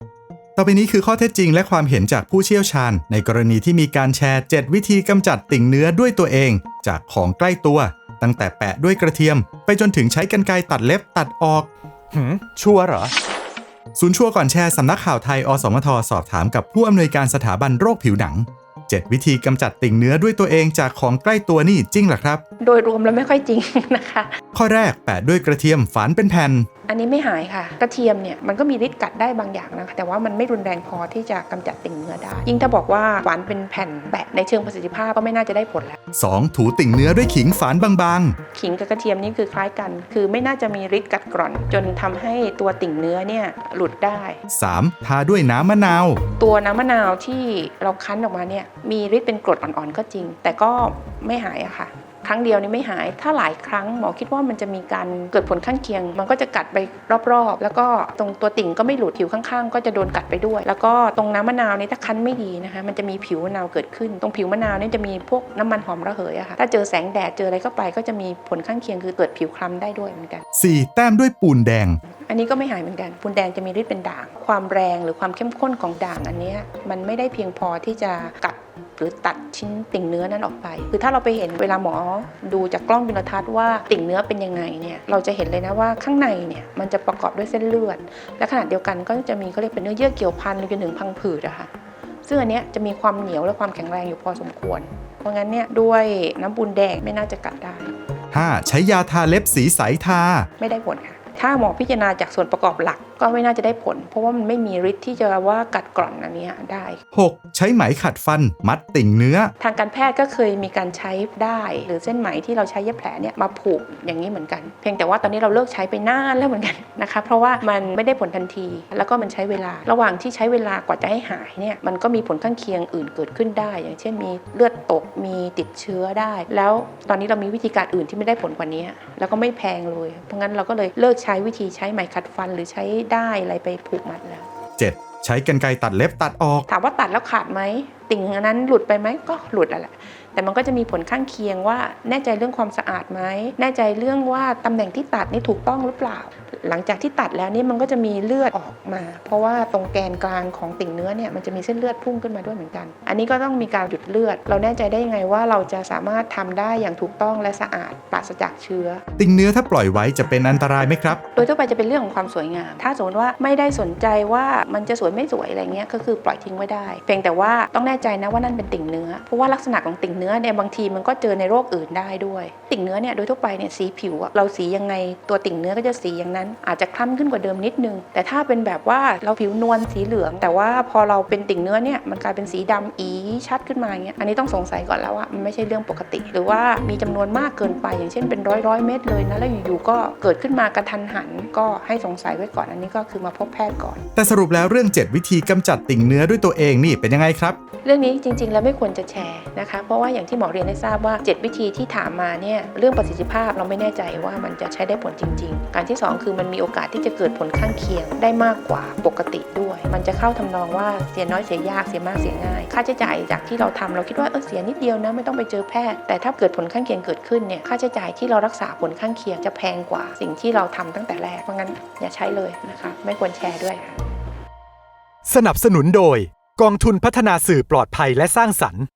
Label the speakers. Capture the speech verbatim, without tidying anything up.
Speaker 1: ต่อไปนี้คือข้อเท็จจริงและความเห็นจากผู้เชี่ยวชาญในกรณีที่มีการแชร์เจ็ดวิธีกำจัดติ่งเนื้อด้วยตัวเองจากของใกล้ตัวตั้งแต่แปะด้วยกระเทียมไปจนถึงใช้กรรไกรตัดเล็บตัดออก
Speaker 2: หืมชัวร์เหรอ
Speaker 1: ศูนย์ชัวร์ก่อนแชร์สำนักข่าวไทยอสมทสอบถามกับผู้อำนวยการสถาบันโรคผิวหนังเจ็ดวิธีกำจัดติ่งเนื้อด้วยตัวเองจากของใกล้ตัวนี่จริงเหรอครับ
Speaker 3: โดยรวมแล้วไม่ค่อยจริงนะคะ
Speaker 1: ข้อแรกแปะด้วยกระเทียมฝานเป็นแผ่น
Speaker 3: อันนี้ไม่หายค่ะกระเทียมเนี่ยมันก็มีฤทธิ์กัดได้บางอย่างนะคะแต่ว่ามันไม่รุนแรงพอที่จะกำจัดติ่งเนื้อได้ยิ่งถ้าบอกว่าฝานเป็นแผ่นแปะในเชิงประสิทธิภาพก็ไม่น่าจะได้ผลแล้ว
Speaker 1: สองถูติ่งเนื้อด้วยขิงฝานบาง
Speaker 3: ๆขิงกับกระเทียมนี่คือคล้ายกันคือไม่น่าจะมีฤทธิ์กัดกร่อนจนทำให้ตัวติ่งเนื้อเนี่ยหลุดได้
Speaker 1: สามทาด้วยน้ำมะนาว
Speaker 3: ตัวน้ำมะนาวที่เราคั้นออกมาเนี่ยมีฤทธิ์เป็นกรดอ่อนๆก็จริงแต่ก็ไม่หายอะค่ะครั้งเดียวนี่ไม่หายถ้าหลายครั้งหมอคิดว่ามันจะมีการเกิดผลข้างเคียงมันก็จะกัดไปรอบๆแล้วก็ตรงตัวติ่งก็ไม่หลุดผิวข้างๆก็จะโดนกัดไปด้วยแล้วก็ตรงน้ำมะนาวนี่ถ้าคั้นไม่ดีนะคะมันจะมีผิวมะนาวเกิดขึ้นตรงผิวมะนาวนี่จะมีพวกน้ำมันหอมระเหยอะค่ะถ้าเจอแสงแดดเจออะไรเข้าไปก็จะมีผลข้างเคียงคือเกิดผิวคล้ำได้ด้วยเหมือนกัน
Speaker 1: สี่แต้มด้วยปูนแดง
Speaker 3: อันนี้ก็ไม่หายเหมือนกันปูนแดงจะมีฤทธิ์เป็นด่างความแรงหรือความเข้มข้นของด่างอันนี้มันไม่ได้เพียงพอที่จะกัดหรือตัดชิ้นติ่งเนื้อนั้นออกไปคือถ้าเราไปเห็นเวลาหมอดูจากกล้องจุลทรรศน์ว่าติ่งเนื้อเป็นยังไงเนี่ยเราจะเห็นเลยนะว่าข้างในเนี่ยมันจะประกอบด้วยเส้นเลือดและขณะเดียวกันก็จะมีเขาเรียกเป็นเนื้อเยื่อเกี่ยวพันจนถึงพังผืดอะค่ะซึ่งอันเนี้ยจะมีความเหนียวและความแข็งแรงอยู่พอสมควรเพราะงั้นเนี่ยด้วยน้ำปูนแดงไม่น่าจะกัดได้
Speaker 1: ห้าใช้ยาทาเล็บสีใสทา
Speaker 3: ไม่ได้ผลค่ะถ้าหมอพิจารณาจากส่วนประกอบหลักก็ไม่น่าจะได้ผลเพราะว่ามันไม่มีฤทธิ์ที่จะว่ากัดกร่อนอันนี้ได้
Speaker 1: หกใช้ไหมขัดฟันมัดติ่งเนื้อ
Speaker 3: ทางการแพทย์ก็เคยมีการใช้ได้หรือเส้นไหมที่เราใช้เย็บแผลเนี่ยมาผูกอย่างนี้เหมือนกันเพียงแต่ว่าตอนนี้เราเลิกใช้ไปนานแล้วเหมือนกันนะคะเพราะว่ามันไม่ได้ผลทันทีแล้วก็มันใช้เวลาระหว่างที่ใช้เวลากว่าจะให้หายเนี่ยมันก็มีผลข้างเคียงอื่นเกิดขึ้นได้อย่างเช่นมีเลือดตกมีติดเชื้อได้แล้วตอนนี้เรามีวิธีการอื่นที่ไม่ได้ผลกว่านี้แล้วก็ไม่แพงเลยเพราะงั้นเราก็เลยเลิกใช้วิธีใช้ไหมขัดฟันหรือใช้ได้อะไรไปผูกมัดแล้ว
Speaker 1: เจ็ดใช้กรรไกรตัดเล็บตัดออก
Speaker 3: ถามว่าตัดแล้วขาดไหมติ่งอันนั้นหลุดไปไหมก็หลุดแหละแต่มันก็จะมีผลข้างเคียงว่าแน่ใจเรื่องความสะอาดไหมแน่ใจเรื่องว่าตำแหน่งที่ตัดนี่ถูกต้องหรือเปล่าหลังจากที่ตัดแล้วนี่มันก็จะมีเลือดออกมาเพราะว่าตรงแกนกลางของติ่งเนื้อเนี่ยมันจะมีเส้นเลือดพุ่งขึ้นมาด้วยเหมือนกันอันนี้ก็ต้องมีการหยุดเลือดเราแน่ใจได้ยังไงว่าเราจะสามารถทำได้อย่างถูกต้องและสะอาดปราศจากเชื้อ
Speaker 1: ติ่งเนื้อถ้าปล่อยไว้จะเป็นอันตรายไหมครับ
Speaker 3: โดยทั่วไปจะเป็นเรื่องของความสวยงามถ้าสมมติว่าไม่ได้สนใจว่ามันจะสวยไม่สวยอะไรเงี้ยก็คือปล่อยทิ้งไว้ได้เพียงแต่ว่าต้องแน่ใจนะว่านั่นเป็นติ่งเนื้อเพราะว่าลักษณะของติ่งเนื้อเนี่ยบางทีมันก็เจอในโรคอื่นได้ด้วยติ่งเนื้อเนี่ยโดยทั่วไปเนี่ยสีผิวเราสียังไงตัวติ่งเนื้อก็จะสีอย่างนั้นอาจจะคล้ำขึ้นกว่าเดิมนิดนึงแต่ถ้าเป็นแบบว่าเราผิวนวลสีเหลืองแต่ว่าพอเราเป็นติ่งเนื้อเนี่ยมันกลายเป็นสีดำอีชัดขึ้นมาอย่างเงี้ยอันนี้ต้องสงสัยก่อนแล้วว่ามันไม่ใช่เรื่องปกติหรือว่ามีจำนวนมากเกินไปอย่างเช่นเป็นร้อยร้อยเม็ดเลยนะแล้วอยู่ๆก็เกิดขึ้นมากระทันหันก็ให้สงสัยไว้ก่อนอันนี้ก็คือมาพบแพทย์ก่อน
Speaker 1: แต่สรุปแล้วเรื่องเจ็ดวิธีกำจัดติ่งเนื้อด้วยตัวเองนี่เป็นยังไงครับ
Speaker 3: เรื่องนี้จริงๆแล้วไม่ควรจะแชร์นะคะเพราะว่าอย่างที่หมอเรียนได้ทราบว่าเจ็ดวิธีที่ถามมาเนี่ยเรื่องประสิทธิภาพเราไม่แน่ใจว่ามันจะใช้ได้ผลจริงๆการที่สองคือมันมีโอกาสที่จะเกิดผลข้างเคียงได้มากกว่าปกติด้วยมันจะเข้าทำนองว่าเสียน้อยเสียยากเสียมากเสียง่ายค่าใช้จ่ายจากที่เราทำเราคิดว่าเออเสียนิดเดียวนะไม่ต้องไปเจอแพทย์แต่ถ้าเกิดผลข้างเคียงเกิดขึ้นเนี่ยค่าใช้จ่ายที่เรารักษาผลข้างเคียงจะแพงกว่าสิ่งที่เราทำตั้งแต่แรกเพราะงั้นอย่าใช้เลยนะคะไม่ควรแชร์ด้วย
Speaker 2: สนับสนุนโดยกองทุนพัฒนาสื่อปลอดภัยและสร้างสรรค์